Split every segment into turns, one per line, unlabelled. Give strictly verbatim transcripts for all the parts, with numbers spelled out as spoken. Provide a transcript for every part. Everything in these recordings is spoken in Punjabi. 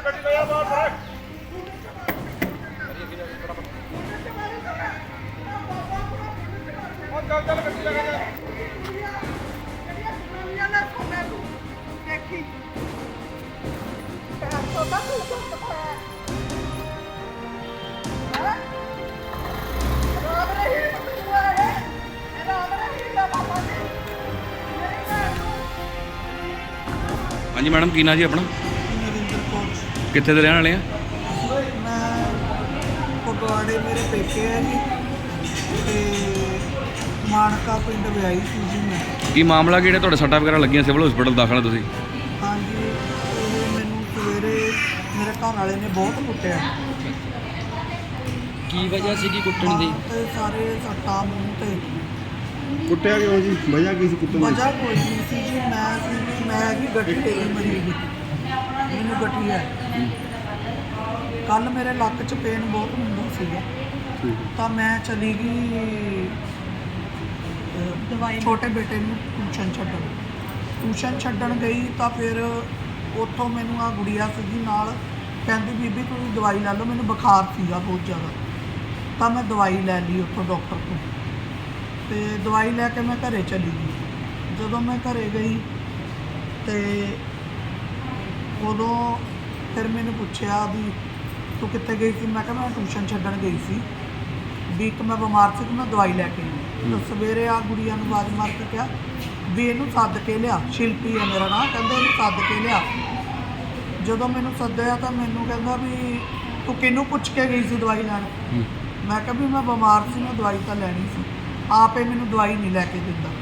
हाँ जी मैडम की ना जी अपना
नरिंदर कौर
कितने दे रहने वाले हैं?
मैं फगवाड़े मेरे पेके है जी ते मानका पिंड विआई सी जी मैं।
की मामला कि ਤੁਹਾਡੇ ਸੱਟਾਂ ਵਗੈਰਾ ਲੱਗੀਆਂ ਸਿਵਲ ਹਸਪੀਟਲ ਦਾਖਲ ਆ ਤੁਸੀਂ?
हाँ जी ਇਹ ਮੈਨੂੰ ਸਵੇਰੇ ਮੇਰੇ ਘਰ ਵਾਲੇ ਨੇ ਬਹੁਤ ਕੁੱਟਿਆ।
ਕੀ ਵਜ੍ਹਾ ਸੀ ਕੀ ਕੁੱਟਣ ਦੀ?
ਹਾਂ ਤੇ ਸਾਰੇ ਸੱਟਾਂ ਮੂੰਹ ਤੇ।
ਕੁੱਟਿਆ ਕਿਉਂ ਜੀ? ਵਜ੍ਹਾ ਕੀ ਸੀ ਕੁੱਟਣ ਦੀ?
ਵਜ੍ਹਾ ਕੋਈ ਨਹੀਂ ਸੀ ਜੀ, ਮੈਂ ਸੀ ਮੈਂ ਵੀ ਗੱਠੀ ਦੀ ਮਰੀਜ਼ ਮੈਨੂੰ ਗੱਠੀ ਹੈ। ਕੱਲ ਮੇਰੇ ਲੱਕ 'ਚ ਪੇਨ ਬਹੁਤ ਹੁੰਦਾ ਸੀਗਾ ਤਾਂ ਮੈਂ ਚਲੀ ਗਈ ਦਵਾਈ ਛੋਟੇ ਬੇਟੇ ਨੂੰ ਟਿਊਸ਼ਨ ਛੱਡਣ ਟਿਊਸ਼ਨ ਛੱਡਣ ਗਈ ਤਾਂ ਫਿਰ ਉੱਥੋਂ ਮੈਨੂੰ ਆ ਗੁੜੀਆ ਸੀਗੀ ਨਾਲ, ਕਹਿੰਦੀ ਬੀਬੀ ਤੁਸੀਂ ਦਵਾਈ ਲੈ ਲਓ, ਮੈਨੂੰ ਬੁਖਾਰ ਸੀਗਾ ਬਹੁਤ ਜ਼ਿਆਦਾ ਤਾਂ ਮੈਂ ਦਵਾਈ ਲੈ ਲਈ ਉੱਥੋਂ ਡਾਕਟਰ ਤੋਂ ਤੇ ਦਵਾਈ ਲੈ ਕੇ ਮੈਂ ਘਰੇ ਚਲੀ ਗਈ। ਜਦੋਂ ਮੈਂ ਘਰੇ ਗਈ ਤੇ ਉਦੋਂ ਫਿਰ ਮੈਨੂੰ ਪੁੱਛਿਆ ਵੀ ਤੂੰ ਕਿੱਥੇ ਗਈ ਸੀ? ਮੈਂ ਕਿਹਾ ਮੈਂ ਟਿਊਸ਼ਨ ਛੱਡਣ ਗਈ ਸੀ ਵੀ ਇੱਕ ਮੈਂ ਬਿਮਾਰ ਸੀ ਤੇ ਮੈਂ ਦਵਾਈ ਲੈ ਕੇ ਆਈ। ਤਾਂ ਸਵੇਰੇ ਆ ਗੁੜੀਆ ਨੂੰ ਆਵਾਜ਼ ਮਾਰ ਕੇ ਕਿਹਾ ਵੀ ਇਹਨੂੰ ਸੱਦ ਕੇ ਲਿਆ, ਸ਼ਿਲਪੀ ਹੈ ਮੇਰਾ ਨਾਂ, ਕਹਿੰਦਾ ਇਹਨੂੰ ਸੱਦ ਕੇ ਲਿਆ। ਜਦੋਂ ਮੈਨੂੰ ਸੱਦਿਆ ਤਾਂ ਮੈਨੂੰ ਕਹਿੰਦਾ ਵੀ ਤੂੰ ਕਿਹਨੂੰ ਪੁੱਛ ਕੇ ਗਈ ਸੀ ਦਵਾਈ ਲੈਣ? ਮੈਂ ਕਿਹਾ ਵੀ ਮੈਂ ਬਿਮਾਰ ਸੀ, ਮੈਂ ਦਵਾਈ ਤਾਂ ਲੈਣੀ ਸੀ, ਆਪੇ ਮੈਨੂੰ ਦਵਾਈ ਨਹੀਂ ਲੈ ਕੇ ਦਿੰਦਾ।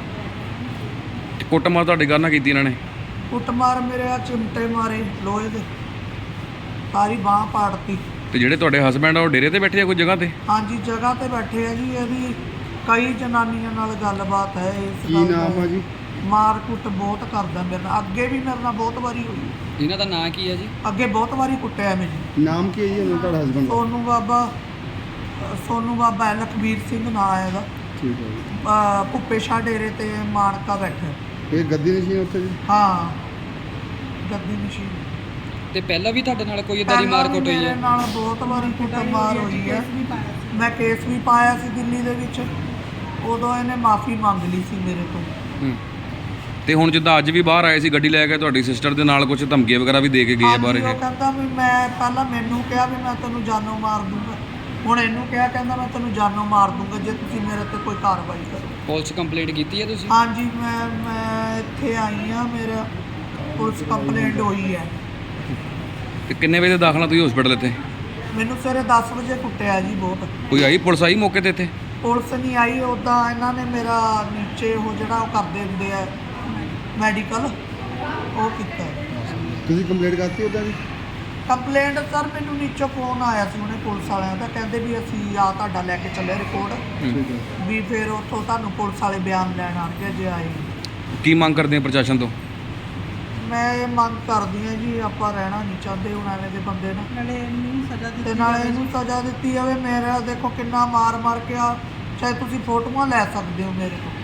ਕੁੱਟਮਾਰ ਤੁਹਾਡੇ ਘਰ ਨਾਲ ਕੀਤੀ ਇਹਨਾਂ ਨੇ?
ਕੁੱਟਮਾਰ ਮੇਰੇ ਆ ਚਿਮਟੇ ਮਾਰੇ ਲੋਹੇ ਦੇ, ਸਾਰੀ ਬਾਂਹ ਪਾੜਤੀ।
ਤੇ ਜਿਹੜੇ ਤੁਹਾਡੇ ਹਸਬੈਂਡ ਆ ਉਹ ਡੇਰੇ ਤੇ ਬੈਠੇ ਆ ਕੋਈ ਜਗ੍ਹਾ ਤੇ?
ਹਾਂਜੀ ਜਗ੍ਹਾ ਤੇ ਬੈਠੇ ਆ ਜੀ, ਇਹਦੀ ਕਈ ਜਨਾਨੀਆਂ ਨਾਲ ਗੱਲਬਾਤ ਹੈ ਇਸ
ਕੀ
ਗੱਲ
ਨਾਮ
ਦਾ।
ਆ ਜੀ?
ਮਾਰ ਕੁੱਟ ਬਹੁਤ ਕਰਦਾ ਮੇਰੇ ਨਾਲ, ਅੱਗੇ ਵੀ ਮੇਰੇ ਨਾਲ ਬਹੁਤ ਵਾਰੀ ਹੋਈ,
ਇਹਨਾਂ ਦਾ ਨਾਂ ਕੀ ਹੈ ਜੀ? ਅੱਗੇ
ਅੱਗੇ ਬਹੁਤ ਵਾਰੀ ਕੁੱਟਿਆ ਮੈਨੂੰ।
ਨਾਮ ਕੀ ਹੈ ਜੀ ਉਹਨਾਂ ਤੁਹਾਡਾ ਹਸਬੰਡ ਦਾ?
ਸੋਨੂ ਬਾਬਾ ਸੋਨੂ ਬਾਬਾ ਹੈ, ਲਖਬੀਰ ਸਿੰਘ ਨਾਂ ਹੈ ਇਹਦਾ।
ਠੀਕ ਹੈ ਜੀ।
ਅਹ ਭੁੱਪੇ ਸ਼ਾਹ ਡੇਰੇ ਤੇ ਮਾਨਕਾ ਬੈਠਾ।
ਇਹ ਗੱਦੀ ਨਸ਼ੀਨ ਉੱਥੇ ਜੀ?
ਹਾਂ ਗੱਦੀ ਮਸ਼ੀਨ।
ਤੇ ਪਹਿਲਾਂ ਵੀ ਤੁਹਾਡੇ ਨਾਲ ਕੋਈ ਇਦਾਂ ਦੀ ਮਾਰ ਕੁੱਟ ਹੋਈ
ਮੇਰੇ
ਹੈ?
ਨਾਲ ਬਹੁਤ ਵਾਰੀ ਕੁੱਟਮਾਰ ਹੋਈ ਹੈ, ਮੈਂ ਕੇਸ ਵੀ ਪਾਇਆ ਸੀ ਦਿੱਲੀ ਦੇ ਵਿੱਚ, ਉਦੋਂ ਇਹਨੇ ਮਾਫੀ ਮੰਗ ਲਈ ਸੀ ਮੇਰੇ ਤੋਂ।
ਹੂੰ। ਤੇ ਹੁਣ ਜਿੱਦਾਂ ਅੱਜ ਵੀ ਬਾਹਰ ਆਏ ਸੀ ਗੱਡੀ ਲੈ ਕੇ ਤੁਹਾਡੀ ਸਿਸਟਰ ਦੇ ਨਾਲ ਕੁਝ ਧਮਕੀਆਂ ਵਗੈਰਾ ਵੀ ਦੇ ਕੇ ਗਏ ਆ ਬਾਹਰ
ਹਾਂਜੀ,
ਇਹ?
ਉਹ ਕਹਿੰਦਾ ਵੀ ਮੈਂ ਪਹਿਲਾਂ ਮੈਨੂੰ ਕਿਹਾ ਵੀ ਮੈਂ ਤੈਨੂੰ ਜਾਨੋਂ ਮਾਰ ਦੂੰਗਾ, ਹੁਣ ਇਹਨੂੰ ਕਿਹਾ ਕਹਿੰਦਾ ਮੈਂ ਤੈਨੂੰ ਜਾਨੋਂ ਮਾਰ ਦੂੰਗਾ ਜੇ ਤੁਸੀਂ ਮੇਰੇ ਤੇ ਕੋਈ ਕਾਰਵਾਈ ਕਰੋ।
ਪੁਲਿਸ ਕੰਪਲੇਂਟ ਕੀਤੀ ਹੈ ਤੁਸੀਂ?
ਹਾਂਜੀ ਮੈਂ ਮੈਂ ਇੱਥੇ ਆਈ ਹਾਂ, ਮੇਰਾ ਪੁਲਿਸ ਕੰਪਲੇਂਟ ਹੋਈ ਹੈ।
ਤੇ ਕਿੰਨੇ ਵਜੇ ਦਾਖਲਾ ਤੁਸੀਂ ਹਸਪੀਟਲ ਇੱਥੇ?
ਮੈਨੂੰ ਸਵੇਰੇ ਦਸ ਵਜੇ ਕੁੱਟਿਆ ਜੀ ਬਹੁਤ।
ਕੋਈ ਆਈ ਪੁਲਿਸ ਆਈ ਮੌਕੇ ਤੇ ਇੱਥੇ?
ਪੁਲਿਸ ਨਹੀਂ ਆਈ, ਉੱਦਾਂ ਇਹਨਾਂ ਨੇ ਮੇਰਾ ਨੀਚੇ ਉਹ ਜਿਹੜਾ ਉਹ ਕਰਦੇ ਹੁੰਦੇ ਆ ਮੈਡੀਕਲ ਉਹ ਕੀਤਾ।
ਤੁਸੀਂ ਕੰਪਲੇਂਟ ਕਰਤੀ ਉਹਦਾ ਜੀ?
ਕੰਪਲੇਂਟ ਸਰ ਮੈਨੂੰ ਨੀਚੋਂ ਫੋਨ ਆਇਆ ਸੀ ਉਹਨੇ ਪੁਲਿਸ ਵਾਲਿਆਂ ਦਾ, ਕਹਿੰਦੇ ਵੀ ਅਸੀਂ ਆ ਤੁਹਾਡਾ ਲੈ ਕੇ ਚੱਲੇ ਰਿਪੋਰਟ
ਠੀਕ ਹੈ।
ਵੀ ਫਿਰ ਉੱਥੋਂ ਤੁਹਾਨੂੰ ਪੁਲਿਸ ਵਾਲੇ ਬਿਆਨ ਲੈਣ ਆਣਗੇ ਜੇ ਆਏ।
ਕੀ ਮੰਗ ਕਰਦੇ ਆ ਪ੍ਰਸ਼ਾਸਨ ਤੋਂ?
ਮੈਂ ਇਹ ਮੰਗ ਕਰਦੀ ਹਾਂ ਜੀ ਆਪਾਂ ਰਹਿਣਾ ਨਹੀਂ ਚਾਹੁੰਦੇ ਹੁਣ ਐਵੇਂ ਦੇ ਬੰਦੇ ਨਾਲ, ਨਾਲੇ ਇਹਨੂੰ ਸਜ਼ਾ ਦਿੱਤੀ ਤੇ ਨਾਲੇ ਇਹਨੂੰ ਸਜ਼ਾ ਦਿੱਤੀ ਜਾਵੇ। ਮੇਰਾ ਦੇਖੋ ਕਿੰਨਾ ਮਾਰ ਮਾਰ ਕੇ ਆ, ਚਾਹੇ ਤੁਸੀਂ ਫੋਟੋਆਂ ਲੈ ਸਕਦੇ ਹੋ ਮੇਰੇ ਤੋਂ।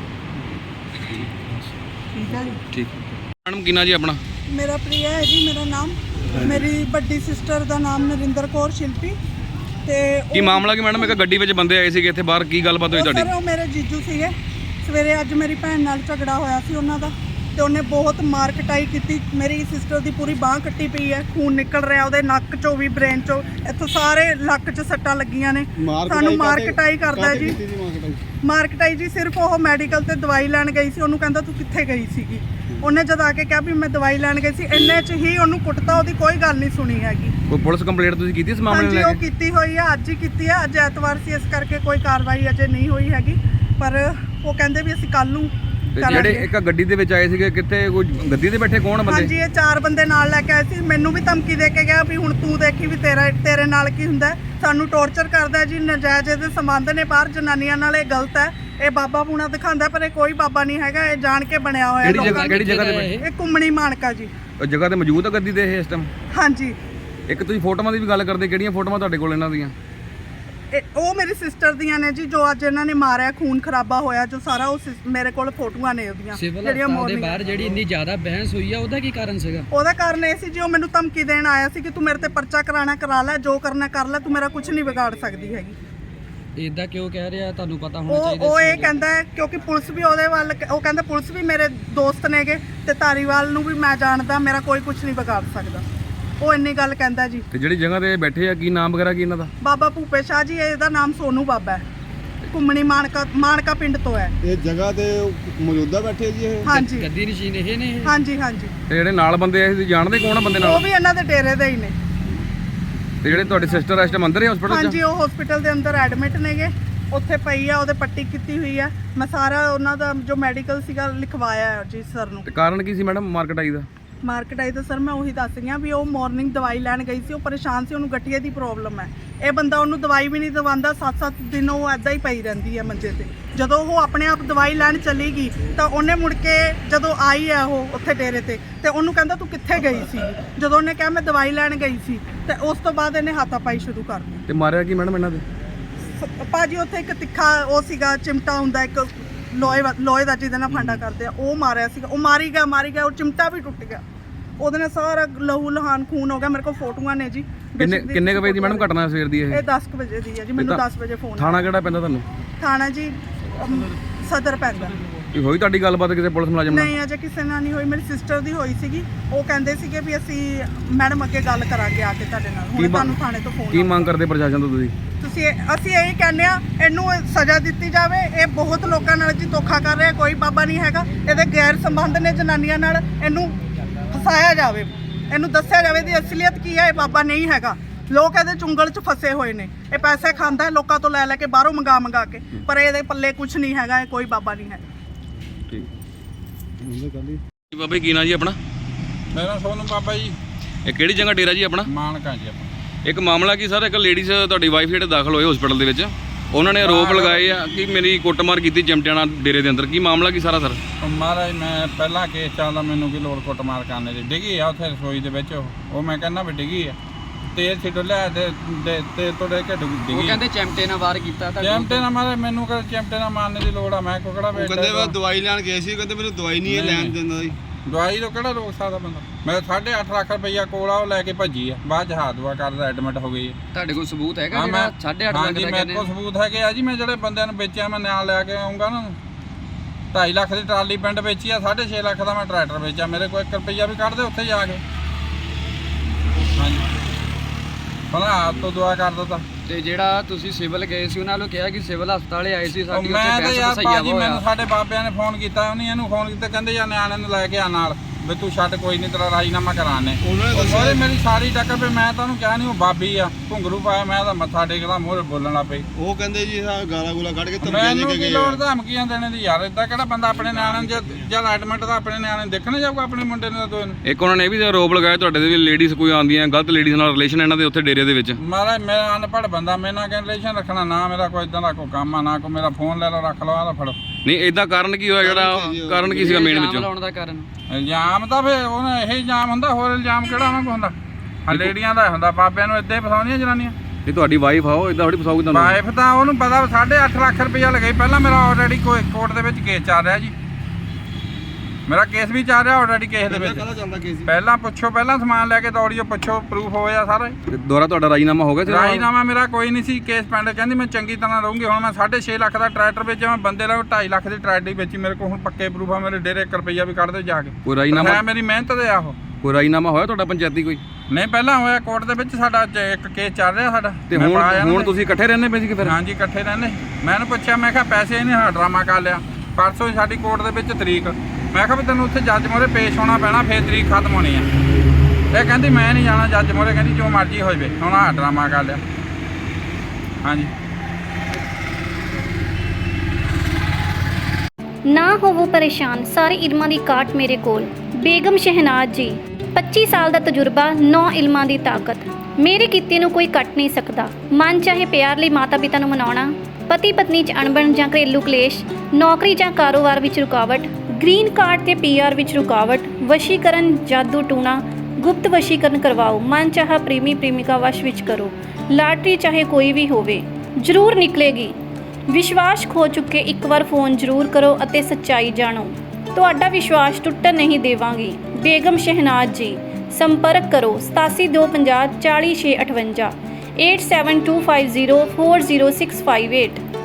ਠੀਕ ਹੈ ਜੀ।
ਠੀਕ ਮੈਡਮ ਕੀ ਨਾ ਜੀ ਆਪਣਾ?
ਮੇਰਾ ਪ੍ਰਿਆ ਹੈ ਜੀ ਮੇਰਾ ਨਾਮ। ਮੇਰੀ ਵੱਡੀ ਸਿਸਟਰ ਦਾ ਨਾਮ ਨਰਿੰਦਰ ਕੌਰ ਸ਼ਿਲਪੀ। ਤੇ
ਕੀ ਮਾਮਲਾ ਕੀ ਮੈਡਮ? ਇੱਕ ਗੱਡੀ ਵਿੱਚ ਬੰਦੇ ਆਏ ਸੀਗੇ ਇੱਥੇ ਬਾਹਰ, ਕੀ ਗੱਲਬਾਤ ਹੋਈ ਤੁਹਾਡੀ?
ਸਰ ਉਹ ਮੇਰੇ ਜੀਜੂ ਸੀਗੇ। ਸਵੇਰੇ ਅੱਜ ਮੇਰੀ ਭੈਣ ਨਾਲ ਝਗੜਾ ਹੋਇਆ ਸੀ ਉਹਨਾਂ ਦਾ ਤੇ ਉਹਨੇ ਬਹੁਤ ਮਾਰ ਕਟਾਈ ਕੀਤੀ। ਮੇਰੀ ਸਿਸਟਰ ਦੀ ਪੂਰੀ ਬਾਂਹ ਕੱਟੀ ਪਈ ਹੈ, ਖੂਨ ਨਿਕਲ ਰਿਹਾ ਉਹਦੇ ਨੱਕ ਚੋਂ ਵੀ, ਬ੍ਰੇਨ ਚੋਂ, ਇੱਥੋਂ ਸਾਰੇ ਲੱਕ 'ਚ ਸੱਟਾਂ ਲੱਗੀਆਂ ਨੇ। ਸਾਨੂੰ ਮਾਰ ਕਟਾਈ ਕਰਦਾ ਜੀ। ਮਾਰ ਕਟਾਈ ਜੀ ਸਿਰਫ ਉਹ ਮੈਡੀਕਲ ਤੇ ਦਵਾਈ ਲੈਣ ਗਈ ਸੀ, ਉਹਨੂੰ ਕਹਿੰਦਾ ਤੂੰ ਕਿੱਥੇ ਗਈ ਸੀਗੀ। ਉਹਨੇ ਜਦ ਆ ਕੇ ਕਿਹਾ ਵੀ ਮੈਂ ਦਵਾਈ ਲੈਣ ਗਈ ਸੀ, ਇੰਨੇ 'ਚ ਹੀ ਉਹਨੂੰ ਕੁੱਟਤਾ, ਉਹਦੀ ਕੋਈ ਗੱਲ ਨਹੀਂ ਸੁਣੀ ਹੈਗੀ।
ਕੋਈ ਪੁਲਿਸ ਕੰਪਲੇਂਟ ਤੁਸੀਂ ਕੀਤੀ ਇਸ ਮਾਮਲੇ ਨੂੰ
ਹਾਂਜੀ
ਲੈ
ਉਹ
ਕੇ?
ਕੀਤੀ ਹੋਈ ਹੈ, ਅੱਜ ਹੀ ਕੀਤੀ ਹੈ। ਅੱਜ ਐਤਵਾਰ ਸੀ ਇਸ ਕਰਕੇ ਕੋਈ ਕਾਰਵਾਈ ਅਜੇ ਨਹੀਂ ਹੋਈ ਹੈਗੀ, ਪਰ ਉਹ ਕਹਿੰਦੇ ਵੀ ਅਸੀਂ ਕੱਲ ਨੂੰ
ਤੇ ਜਿਹੜੇ ਇੱਕ ਗੱਡੀ ਦੇ ਵਿੱਚ ਆਏ ਸੀਗੇ ਕਿੱਥੇ ਕੋਈ ਗੱਡੀ ਤੇ ਬੈਠੇ ਕੌਣ ਬੰਦੇ?
ਹਾਂਜੀ ਇਹ ਚਾਰ ਬੰਦੇ ਨਾਲ ਲੈ ਕੇ ਆਏ ਸੀ। ਮੈਨੂੰ ਵੀ ਧਮਕੀ ਦੇ ਕੇ ਗਿਆ ਵੀ ਹੁਣ ਤੂੰ ਦੇਖੀ ਵੀ ਤੇਰਾ ਤੇਰੇ ਨਾਲ ਕੀ ਹੁੰਦਾ। ਸਾਨੂੰ ਟੌਰਚਰ ਕਰਦਾ ਜੀ, ਨਜਾਇਜ਼ ਦੇ ਸੰਬੰਧ ਨੇ ਬਾਹਰ ਜਨਾਨੀਆਂ ਨਾਲ, ਇਹ ਗਲਤ ਹੈ। ਇਹ ਬਾਬਾ ਪੂਣਾ ਦਿਖਾਉਂਦਾ ਪਰ ਇਹ ਕੋਈ ਬਾਬਾ ਨਹੀਂ ਹੈਗਾ, ਇਹ ਜਾਣ ਕੇ ਬਣਿਆ ਹੋਇਆ।
ਕਿਹੜੀ ਜਗ੍ਹਾ ਕਿਹੜੀ ਜਗ੍ਹਾ ਤੇ ਬੈਠੇ?
ਇਹ ਕੁੰਮਣੀ ਮਾਨਕਾ ਜੀ।
ਉਹ ਜਗ੍ਹਾ ਤੇ ਮੌਜੂਦ ਆ ਗੱਡੀ ਦੇ ਇਹ ਇਸ ਟਾਈਮ?
ਹਾਂਜੀ
ਇੱਕ ਤੁਸੀਂ ਫੋਟੋਆਂ ਦੀ ਵੀ ਗੱਲ ਕਰਦੇ, ਕਿਹੜੀਆਂ ਫੋਟੋਆਂ ਤੁਹਾਡੇ ਕੋਲ ਇਹਨਾਂ ਦੀਆਂ?
ਇਹ- ਉਹ ਮੇਰੀ ਸਿਸਟਰ ਦੀਆਂ ਨੇ ਜੀ, ਜੋ ਅੱਜ ਇਹਨਾਂ ਨੇ ਮਾਰਿਆ, ਖੂਨ ਖਰਾਬਾ ਹੋਇਆ, ਜੋ ਸਾਰਾ ਉਹ ਸਿਸ- ਮੇਰੇ ਕੋਲ ਫੋਟੋਆਂ ਨੇ ਉਹਦੀਆਂ
ਸਿਵਲ ਹਸਪਤਾਲ ਦੇ
morning-
ਬਾਹਰ ਜਿਹੜੀ ਇੰਨੀ ਜ਼ਿਆਦਾ ਬਹਿਸ ਹੋਈ ਆ ਉਹਦਾ ਕੀ ਕਾਰਨ ਸੀਗਾ?
ਉਹਦਾ ਕਾਰਨ ਇਹ ਸੀ ਜੀ, ਉਹ ਮੈਨੂੰ ਧਮਕੀ ਦੇਣ ਆਇਆ ਸੀ ਕਿ ਤੂੰ ਮੇਰੇ ਤੇ ਪਰਚਾ ਕਰਾਣਾ ਕਰਾ ਲੈ, ਜੋ ਕਰਨਾ ਕਰ ਲੈ, ਤੂੰ ਮੇਰਾ ਕੁਝ ਨਹੀਂ ਵਿਗਾੜ ਸਕਦੀ ਹੈਗੀ।
ਇਦਾਂ ਕਿਉਂ ਕਹਿ ਰਿਹਾ? ਤੁਹਾਨੂੰ ਪਤਾ ਹੋਣਾ
ਉਹ
ਚਾਹੀਦਾ
ਉਹ
ਸੀ
ਇਹ
ਅੱਗੇ।
ਕਹਿੰਦਾ ਹੈ ਕਿਉਂਕਿ ਪੁਲਿਸ ਵੀ ਉਹਦੇ ਵੱਲ, ਉਹ ਕਹਿੰਦਾ ਪੁਲਿਸ ਵੀ ਮੇਰੇ ਦੋਸਤ ਨੇਗੇ ਤੇ ਧਾਰੀਵਾਲ ਨੂੰ ਵੀ ਮੈਂ ਜਾਣਦਾ, ਮੇਰਾ ਕੋਈ ਕੁਝ ਨਹੀਂ ਵਿਗਾੜ ਸਕਦਾ। ਉਹ ਇੰਨੀ ਗੱਲ ਕਹਿੰਦਾ ਜੀ।
ਤੇ ਜਿਹੜੀ ਜਗ੍ਹਾ ਤੇ ਬੈਠੇ ਆ ਕੀ ਨਾਮ ਵਗੈਰਾ ਕੀ ਇਹਨਾਂ ਦਾ?
ਬਾਬਾ ਭੂਪੇ ਸ਼ਾਹ ਜੀ, ਇਹਦਾ ਨਾਮ ਸੋਨੂ ਬਾਬਾ ਹੈ, ਘੁੰਮਣੀ ਮਾਨਕਾ ਮਾਨਕਾ ਪਿੰਡ ਤੋਂ ਹੈ।
ਇਹ ਜਗ੍ਹਾ ਤੇ ਮੌਜੂਦਾ ਬੈਠੇ ਜੀ ਇਹ?
ਹਾਂਜੀ
ਗੱਦੀ ਨਸ਼ੀਨ ਇਹ ਨੇ ਇਹ?
ਹਾਂਜੀ ਹਾਂਜੀ।
ਤੇ ਜਿਹੜੇ ਨਾਲ ਬੰਦੇ ਆਏ ਸੀ ਤੁਸੀਂ ਜਾਣਦੇ ਕੌਣ ਆ ਬੰਦੇ
ਉਹ
ਨਾਲ?
ਵੀ ਇਹਨਾਂ ਦੇ ਡੇਰੇ ਦੇ ਹੀ ਨੇ।
ਤੇ ਜਿਹੜੇ ਤੁਹਾਡੇ ਸਿਸਟਰ ਇਸ ਟਾਈਮ ਅੰਦਰ ਹੈ ਹਸਪੀਟਲ 'ਚ?
ਹਾਂਜੀ, ਉਹ ਹਸਪੀਟਲ ਦੇ ਅੰਦਰ ਐਡਮਿਟ ਨੇਗੇ, ਉੱਥੇ ਪਈ ਆ, ਉਹਦੇ ਪੱਟੀ ਕੀਤੀ ਹੋਈ ਆ। ਮੈਂ ਸਾਰਾ ਉਹਨਾਂ ਦਾ ਜੋ ਮੈਡੀਕਲ ਸੀਗਾ ਲਿਖਵਾਇਆ ਹੈ ਜੀ ਸਰ ਨੂੰ।
ਤੇ ਕਾਰਨ ਕੀ ਸੀ ਮੈਡਮ ਮਾਰਕੀਟ ਆਈ ਦਾ?
ਮਾਰਕੀਟ ਆਈ ਤਾਂ ਸਰ ਮੈਂ ਉਹੀ ਦੱਸ ਰਹੀ ਹਾਂ ਵੀ ਉਹ ਮਾਰਨਿੰਗ ਦਵਾਈ ਲੈਣ ਗਈ ਸੀ, ਉਹ ਪਰੇਸ਼ਾਨ ਸੀ, ਉਹਨੂੰ ਗਠੀਏ ਦੀ ਪ੍ਰੋਬਲਮ ਹੈ। ਇਹ ਬੰਦਾ ਉਹਨੂੰ ਦਵਾਈ ਵੀ ਨਹੀਂ ਦਵਾਉਂਦਾ, ਸੱਤ ਸੱਤ ਦਿਨ ਉਹ ਐਦਾਂ ਹੀ ਪਈ ਰਹਿੰਦੀ ਹੈ ਮੰਜੇ ਤੇ। ਜਦੋਂ ਉਹ ਆਪਣੇ ਆਪ ਦਵਾਈ ਲੈਣ ਚਲੀ ਗਈ ਤਾਂ ਉਹਨੇ ਮੁੜ ਕੇ ਜਦੋਂ ਆਈ ਹੈ ਉਹ ਉੱਥੇ ਡੇਰੇ ਤੇ, ਤੇ ਉਹਨੂੰ ਕਹਿੰਦਾ ਤੂੰ ਕਿੱਥੇ ਗਈ ਸੀ? ਜਦੋਂ ਉਹਨੇ ਕਿਹਾ ਮੈਂ ਦਵਾਈ ਲੈਣ ਗਈ ਸੀ, ਤੇ ਉਸ ਤੋਂ ਬਾਅਦ ਇਹਨੇ ਹਾਥਾਪਾਈ ਸ਼ੁਰੂ ਕਰ ਦਿੱਤੀ।
ਤੇ ਮਾਰਿਆ ਕੀ ਮੈਡਮ ਇਹਨਾਂ ਦੇ?
ਭਾਜੀ ਉੱਥੇ ਇੱਕ ਤਿੱਖਾ ਉਹ ਸੀਗਾ, ਚਿਮਟਾ ਹੁੰਦਾ ਇੱਕ ਲੋਹੇ ਵਾ- ਲੋਹੇ ਦਾ ਜਿਹਦੇ ਨਾਲ ਫਾਂਡਾ ਕਰਦੇ ਆ, ਉਹ ਮਾਰਿਆ ਸੀਗਾ। ਉਹ ਮਾਰੀ ਗਿਆ ਮਾਰੀ ਗਿਆ ਉਹ ਚਿਮਟਾ ਵੀ ਟੁੱਟ ਗਿਆ, ਉਹਦੇ ਨਾਲ ਸਾਰਾ ਲਹੂ ਲਹਾਨ ਖੂਨ ਹੋ ਗਿਆ। ਮੇਰੇ ਕੋਲ ਫੋਟੋਆਂ ਨੇ ਜੀ।
ਕਿੰਨੇ ਕਿੰਨੇ ਕੁ ਵਜੇ ਦੀ ਮੈਡਮ ਘਟਨਾ ਸਵੇਰ ਦੀ ਇਹ?
ਇਹ ਦਸ ਕੁ ਵਜੇ ਦੀ ਹੈ ਜੀ, ਮੈਨੂੰ
ਇਹ ਤਾਂ-
ਦਸ ਵਜੇ ਫੋਨ
ਥਾਣਾ ਕਿਹੜਾ ਪੈਂਦਾ ਤੁਹਾਨੂੰ?
ਥਾਣਾ ਜੀ ਅਮ, ਸਦਰ ਪੈਂਦਾ।
ਕੀ ਹੋਈ ਤੁਹਾਡੀ ਗੱਲਬਾਤ ਕਿਸੇ ਪੁਲਿਸ ਮੁਲਾਜ਼ਮ ਨਾਲ?
ਨਹੀਂ ਅਜੇ ਕਿਸੇ ਨਾਲ ਨਹੀਂ ਹੋਈ, ਮੇਰੀ ਸਿਸਟਰ ਦੀ ਹੋਈ ਸੀਗੀ। ਉਹ ਕਹਿੰਦੇ ਸੀਗੇ ਵੀ ਅਸੀਂ ਮੈਡਮ ਅੱਗੇ ਗੱਲ ਕਰਾਂਗੇ ਆ ਕੇ ਤੁਹਾਡੇ ਨਾਲ,
ਕੀ
ਹੁਣ
ਮੰਗ-
ਤੁਹਾਨੂੰ ਥਾਣੇ ਤੋਂ ਫੋਨ
ਕੀ ਮੰਗ ਕਰਦੇ ਪ੍ਰਸ਼ਾਸਨ ਤੋਂ ਤੁਸੀਂ?
ਤੁਸੀਂ ਇਹ- ਅਸੀਂ ਇਹੀ ਕਹਿੰਦੇ ਆ, ਇਹਨੂੰ ਸਜ਼ਾ ਦਿੱਤੀ ਜਾਵੇ। ਇਹ ਬਹੁਤ ਲੋਕਾਂ ਨਾਲ ਜੀ ਧੋਖਾ ਕਰ ਰਿਹਾ, ਕੋਈ ਬਾਬਾ ਨਹੀਂ ਹੈਗਾ, ਇਹਦੇ ਗੈਰ ਸੰਬੰਧ ਨੇ ਜਨਾਨੀਆਂ ਨਾਲ, ਇਹਨੂੰ ਫਸਾਇਆ ਜਾਵੇ, ਇਹਨੂੰ ਦੱਸਿਆ ਜਾਵੇ ਦੀ ਅਸਲੀਅਤ ਕੀ ਹੈ। ਇਹ ਬਾਬਾ ਨਹੀਂ ਹੈਗਾ, ਲੋਕ ਇਹਦੇ ਚੁੰਗਲ 'ਚ ਫਸੇ ਹੋਏ ਨੇ। ਇਹ ਪੈਸੇ ਖਾਂਦਾ ਹੈ ਲੋਕਾਂ ਤੋਂ ਲੈ ਲੈ ਕੇ, ਬਾਹਰੋਂ ਮੰਗਾ ਮੰਗਾ ਕੇ, ਪਰ ਇਹਦੇ ਪੱਲੇ ਕੁਝ ਨਹੀਂ ਹੈਗਾ, ਇਹ ਕੋਈ ਬਾਬਾ ਨਹੀਂ ਹੈ।
ਠੀਕ ਬਾਬਾ ਜੀ ਕੀ ਨਾਂ ਜੀ ਆਪਣਾ?
ਮੇਰਾ ਸੋਨੂੰ ਬਾਬਾ ਜੀ,
ਇਹ ਕਿਹੜੀ ਜਗ੍ਹਾ ਡੇਰਾ ਜੀ ਆਪਣਾ?
ਮਾਨਕਾ ਜੀ ਆਪਾਂ।
ਇੱਕ ਮਾਮਲਾ ਕੀ ਸਰ, ਇੱਕ ਲੇਡੀਜ਼ ਤੁਹਾਡੀ ਵਾਈਫ ਜਿਹੜੇ ਦਾਖਲ ਹੋਏ ਹਸਪੀਟਲ ਦੇ ਵਿੱਚ, ਉਹਨਾਂ ਨੇ ਆਰੋਪ ਲਗਾਏ ਆ ਕਿ ਮੇਰੀ ਕੁੱਟਮਾਰ ਕੀਤੀ ਚਿਮਟਿਆਣਾ ਡੇਰੇ ਦੇ ਅੰਦਰ। ਕੀ ਮਾਮਲਾ ਕੀ ਸਾਰਾ ਸਰ?
ਉਹ ਮਹਾਰਾਜ ਮੈਂ ਪਹਿਲਾਂ ਕੇਸ ਚੱਲਦਾ, ਮੈਨੂੰ ਕੀ ਲੋੜ ਕੁੱਟਮਾਰ ਕਰਨੇ ਦੀ। ਡਿੱਗੀ ਆ ਉੱਥੇ ਰਸੋਈ ਦੇ ਵਿੱਚ, ਉਹ ਉਹ ਮੈਂ ਕਹਿੰਦਾ ਵੀ ਡਿੱਗੀ ਆ, ਤੇਲ ਛਿੱਟ ਲਿਆ ਤੇ ਤੇ- ਤੇਲ ਤੋਂ ਡੇ ਕੇ
ਉਹ
ਡਿੱਗੀ।
ਕਹਿੰਦੇ ਚਿਮਟੇ ਨਾਲ ਵਾਰ ਕੀਤਾ ਤੁਹਾਡੇ
ਚਿਮਟੇ ਨਾਲ ਮਾਰੇ, ਮੈਨੂੰ ਕਹਿੰਦੇ ਚਿਮਟੇ ਨਾਲ ਮਾਰਨੇ ਦੀ ਲੋੜ ਆ, ਮੈਂ ਕੋ ਕਿਹੜਾ ਬੈਠਾ।
ਕਹਿੰਦੇ ਵਾ ਦਵਾਈ ਲੈਣ ਗਏ ਸੀ, ਕਹਿੰਦੇ ਮੈਨੂੰ ਦਵਾਈ ਨਹੀਂ ਇਹ ਲੈਣ ਦਿੰਦਾ ਜੀ।
ਦਵਾਈ ਤੋਂ ਕਿਹੜਾ ਰੋਕ ਸਕਦਾ ਬੰਦਾ? ਮੈਂ ਸਾਢੇ ਅੱਠ ਲੱਖ ਰੁਪਈਆ ਕੋਲ ਆ, ਉਹ ਲੈ ਕੇ ਭੱਜੀ ਆ, ਬਾਅਦ ਚ ਹਾਥ ਦੁਆ ਕਰਦਾ ਐਡਮਿਟ ਹੋ ਗਈ ਹੈ।
ਤੁਹਾਡੇ ਕੋਲ ਸਬੂਤ ਹੈਗਾ
ਹਾਂ,
ਜਿਹੜਾ
ਮੈਂ
ਸਾਢੇ ਅੱਠ ਲੱਖ
ਹਾਂਜੀ
ਦਾ
ਮੇਰੇ
ਕਹਿੰਦੇ?
ਕੋਲ ਸਬੂਤ ਹੈਗੇ ਆ ਜੀ। ਮੈਂ ਜਿਹੜੇ ਬੰਦਿਆਂ ਨੂੰ ਵੇਚਿਆ ਮੈਂ ਨਾਲ ਲੈ ਕੇ ਆਉਂਗਾ ਨਾ। ਢਾਈ ਲੱਖ ਦੀ ਟਰਾਲੀ ਪਿੰਡ ਵੇਚੀ ਆ, ਸਾਢੇ ਛੇ ਲੱਖ ਦਾ ਮੈਂ ਟਰੈਕਟਰ ਵੇਚਿਆ। ਮੇਰੇ ਕੋਲ ਇੱਕ ਰੁਪਈਆ ਵੀ ਕੱਢ ਦੇ ਉੱਥੇ ਜਾ ਕੇ। ਹਾਂਜੀ, ਭਲਾ ਆਪ ਤੋਂ ਦੁਆ ਕਰ ਦਿੱਤਾ।
ਤੇ ਜਿਹੜਾ ਤੁਸੀਂ ਸਿਵਲ ਗਏ ਸੀ, ਉਹਨਾਂ ਨੂੰ ਕਿਹਾ ਕਿ ਸਿਵਲ ਹਸਪਤਾਲੇ ਆਏ ਸੀ,
ਉਹ
ਸਾਡੀ
ਮੈਂ
ਉੱਥੇ
ਤਾਂ
ਬਹਿਸ
ਯਾਰ
ਸਹੀਆ
ਭਾਜੀ, ਮੈਨੂੰ
ਹੋਇਆ।
ਸਾਡੇ ਬਾਬਿਆਂ ਨੇ ਫੋਨ ਕੀਤਾ, ਉਹਨੇ ਇਹਨੂੰ ਫੋਨ ਕੀਤਾ, ਕਹਿੰਦੇ ਯਾਰ ਨਿਆਣੇ ਨੂੰ ਲੈ ਕੇ ਆ ਨਾਲ, ਵੀ ਤੂੰ ਛੱਡ, ਕੋਈ ਨਹੀਂ ਤੇਰਾ ਰਾਜੀਨਾਮਾ ਕਰਾਣੇ। ਉਹਨੇ ਮੇਰੀ ਸਾਰੀ ਟੱਕਰ ਵੀ ਮੈਂ ਤੁਹਾਨੂੰ ਕਿਹਾ ਨਹੀਂ ਉਹ ਬਾਬੀ ਆ, ਘੁੰਗਰੂ ਪਾਇਆ, ਮੈਂ ਤਾਂ ਮੱਥਾ ਟੇਕਦਾ, ਮੂਹਰੇ ਬੋਲਣ ਲੱਗ ਪਈ।
ਉਹ ਕਹਿੰਦੇ ਜੀ ਸਾ ਗਾਲਾਂ ਗੂਲਾ ਕੱਢ ਕੇ ਧਮਕੀਆਂ ਦੇ
ਮੈਨੂੰ
ਕੇ
ਕੀ
ਗਏ
ਲੋੜ
ਆ।
ਧਮਕੀਆਂ ਦੇਣੇ ਦੀ ਯਾਰ? ਏਦਾਂ ਕਿਹੜਾ ਬੰਦਾ ਆਪਣੇ ਨਿਆਣੇ ਨੂੰ, ਜੇ ਜਦ ਐਡਮਿਟ ਦਾ ਆਪਣੇ ਨਿਆਣੇ ਨੂੰ ਦੇਖਣ ਜਾਊਗਾ ਆਪਣੇ ਮੁੰਡੇ ਨੂੰ ਦੋਏ ਨੂੰ?
ਇੱਕ ਉਹਨਾਂ ਨੇ ਇਹ ਵੀ ਆਰੋਪ ਲਗਾਇਆ ਤੁਹਾਡੇ ਦੇ ਵੀ ਲੇਡੀਜ਼ ਕੋਈ ਆਉਂਦੀਆਂ ਗਲਤ ਲੇਡੀਜ਼ ਨਾਲ ਰਿਲੇਸ਼ਨ ਇਹਨਾਂ ਦੇ ਉੱਥੇ ਡੇਰੇ ਦੇ ਵਿੱਚ।
ਮਹਾਰਾਜ ਮੈਂ ਅਨਪੜ੍ਹ ਬੰਦਾ, ਮੇਰੇ ਨਾਲ ਰਿਲੇਸ਼ਨ ਰੱਖਣਾ ਨਾ, ਮੇਰਾ ਕੋਈ ਇਦਾਂ ਦਾ ਕੋਈ ਕੰਮ ਆ ਨਾ, ਕੋਈ ਮੇਰਾ ਫੋਨ ਲੈ ਲਓ ਰੱਖ ਲਓ, ਆਹ ਲਓ ਫੜੋ।
ਨਹੀਂ ਇਦਾਂ ਕਾਰਨ ਕੀ ਹੋਇਆ ਜਿਹੜਾ ਕਾਰਨ ਕੀ ਸੀਗਾ ਮੇਨ
ਇਲਜ਼ਾਮ
ਵਿੱਚੋਂ?
ਲਾਉਣ ਦਾ ਕਾਰਨ
ਇਲਜ਼ਾਮ ਤਾਂ ਫਿਰ ਉਹਨਾਂ ਇਹ ਇਲਜ਼ਾਮ ਹੁੰਦਾ, ਹੋਰ ਇਲਜ਼ਾਮ ਕਿਹੜਾ ਉਹਨਾਂ ਕੋਲ ਹੁੰਦਾ? ਆ ਲੇਡੀਆਂ ਦਾ ਹੁੰਦਾ, ਬਾਬਿਆਂ ਨੂੰ ਇੱਦਾਂ ਹੀ ਫਸਾਉਂਦੀਆਂ ਜਨਾਨੀਆਂ।
ਇਹ ਤੁਹਾਡੀ ਵਾਈਫ ਆ, ਉਹ ਇਦਾਂ ਥੋੜੀ ਫਸਾਊਗੀ ਤੁਹਾਨੂੰ?
ਵਾਈਫ ਤਾਂ ਉਹਨੂੰ ਪਤਾ ਸਾਢੇ ਅੱਠ ਲੱਖ ਰੁਪਈਆ ਲਗਾਈ। ਪਹਿਲਾਂ ਮੇਰਾ ਆਲਰੇਡੀ ਕੋਈ ਕੋਰਟ ਦੇ ਵਿੱਚ ਕੇਸ ਚੱਲ ਰਿਹਾ ਜੀ, ਮੇਰਾ ਕੇਸ ਵੀ ਚੱਲ ਰਿਹਾ ਆਲਰੇਡੀ ਕੇਸ ਦੇ ਵਿੱਚ।
ਕਾਹਦਾ ਚੱਲਦਾ ਕੇਸ?
ਪਹਿਲਾਂ ਪੁੱਛੋ, ਪਹਿਲਾਂ ਸਮਾਨ ਲੈ ਕੇ ਦੌੜੀਓ, ਪੁੱਛੋ, ਪ੍ਰੂਫ ਹੋਇਆ ਸਾਰਾ।
ਤੇ ਦੁਬਾਰਾ ਤੁਹਾਡਾ ਰਾਜੀਨਾਮਾ ਹੋ ਗਿਆ ਸੀ?
ਰਾਜੀਨਾਮਾ ਮੇਰਾ ਕੋਈ ਨਹੀਂ ਸੀ, ਕੇਸ ਪੈਂਡ। ਕਹਿੰਦੀ ਮੈਂ ਚੰਗੀ ਤਰ੍ਹਾਂ ਰਹੂੰਗੀ। ਹੁਣ ਮੈਂ ਸਾਢੇ ਛੇ ਲੱਖ ਦਾ ਟਰੈਕਟਰ ਵੇਚਿਆ, ਮੈਂ ਬੰਦੇ ਲਾ ਢਾਈ ਲੱਖ ਦੀ ਟਰੈਕਟਰ ਵੇਚੀ। ਮੇਰੇ ਕੋਲ ਹੁਣ ਪੱਕੇ ਪ੍ਰੂਫ ਆ, ਮੇਰੇ ਡੇਰੇ ਇੱਕ ਰੁਪਈਆ ਵੀ ਕੱਢ ਦੇ ਜਾ ਕੇ।
ਕੋਈ ਰਾਜੀਨਾਮਾ
ਹੈ ਮੇਰੀ ਮਿਹਨਤ ਦੇ ਆ ਉਹ।
ਕੋਈ ਰਾਜੀਨਾਮਾ ਹੋਇਆ ਤੁਹਾਡਾ ਪੰਚਾਇਤੀ ਕੋਈ?
ਨਹੀਂ, ਪਹਿਲਾਂ ਹੋਇਆ ਕੋਰਟ ਦੇ ਵਿੱਚ ਸਾਡਾ, ਅੱਜ ਇੱਕ ਕੇਸ ਚੱਲ ਰਿਹਾ ਸਾਡਾ।
ਤੇ
ਮੈਂ
ਹੁਣ
ਪਾਇਆ
ਹੁਣ
ਨਾ।
ਤੁਸੀਂ ਇਕੱਠੇ ਰਹਿੰਦੇ ਪਏ ਸੀ ਕਿ ਫਿਰ?
ਹਾਂਜੀ ਇਕੱਠੇ ਰਹਿੰਦੇ। ਮੈਂ ਇਹਨੂੰ ਪੁੱਛਿਆ, ਮੈਂ ਕਿਹਾ ਪੈਸੇ ਇਹਨੇ ਹਾਂ ਡਰਾਮਾ ਕਰ ਲਿਆ। ਪਰਸੋਂ ਹੀ ਸਾਡੀ ਕੋਰਟ ਦੇ ਵਿੱਚ ਤਰੀਕ, ਮੈਂ ਕਿਹਾ ਵੀ ਤੈਨੂੰ ਉੱਥੇ ਜੱਜ ਮੋਹਰੇ ਪੇਸ਼ ਹੋਣਾ ਪੈਣਾ, ਫੇਰ ਤਰੀਕ ਖਤਮ ਹੋਣੀ ਆ। ਇਹ ਕਹਿੰਦੀ ਮੈਂ ਨਹੀਂ ਜਾਣਾ ਜੱਜ ਮੋਹਰੇ, ਕਹਿੰਦੀ ਜੋ ਮਰਜ਼ੀ ਹੋ ਜਾਵੇ। ਹੁਣ ਆਹ ਡਰਾਮਾ ਕਰ ਲਿਆ। ਹਾਂਜੀ,
ਨਾ ਹੋਵੋ ਪਰੇਸ਼ਾਨ, ਸਾਰੇ ਇਲਮਾਂ ਦੀ ਕਾਟ ਮੇਰੇ ਕੋਲ। ਬੇਗਮ ਸ਼ਹਿਨਾਜ਼ ਜੀ, ਪੱਚੀ ਸਾਲ ਦਾ ਤਜਰਬਾ, ਨੌ ਇਲਮਾਂ ਦੀ ਤਾਕਤ। ਮੇਰੇ ਕੀਤੇ ਨੂੰ ਕੋਈ ਕੱਟ ਨਹੀਂ ਸਕਦਾ। ਮਨ ਚਾਹੇ ਪਿਆਰ ਲਈ ਮਾਤਾ ਪਿਤਾ ਨੂੰ ਮਨਾਉਣਾ, ਪਤੀ ਪਤਨੀ 'ਚ ਅਣਬਣ ਜਾਂ ਘਰੇਲੂ ਕਲੇਸ਼, ਨੌਕਰੀ ਜਾਂ ਕਾਰੋਬਾਰ ਵਿੱਚ ਰੁਕਾਵਟ, ਗ੍ਰੀਨ ਕਾਰਡ ਤੇ ਪੀ ਆਰ ਵਿੱਚ ਰੁਕਾਵਟ, ਵਸ਼ੀਕਰਨ, ਜਾਦੂ ਟੂਣਾ, ਗੁਪਤ ਵਸ਼ੀਕਰਨ ਕਰਵਾਓ, ਮਨ ਚਾਹਾ ਪ੍ਰੇਮੀ ਪ੍ਰੇਮਿਕਾ ਵਸ਼ ਵਿੱਚ ਕਰੋ, ਲਾਟਰੀ ਚਾਹੇ ਕੋਈ ਵੀ ਹੋਵੇ, ਜ਼ਰੂਰ ਨਿਕਲੇਗੀ। ਵਿਸ਼ਵਾਸ ਖੋ ਚੁੱਕੇ ਇੱਕ ਵਾਰ ਫੋਨ ਜ਼ਰੂਰ ਕਰੋ ਅਤੇ ਸੱਚਾਈ ਜਾਣੋ। ਤੁਹਾਡਾ ਵਿਸ਼ਵਾਸ ਟੁੱਟਣ ਨਹੀਂ ਦੇਵਾਂਗੀ। ਬੇਗਮ ਸ਼ਹਿਨਾਜ਼ ਜੀ। ਸੰਪਰਕ ਕਰੋ ਸਤਾਸੀ ਦੋ ਪੰਜਾਹ ਚਾਲੀ ਛੇ ਅਠਵੰਜਾ, eight seven two five zero four zero six five eight.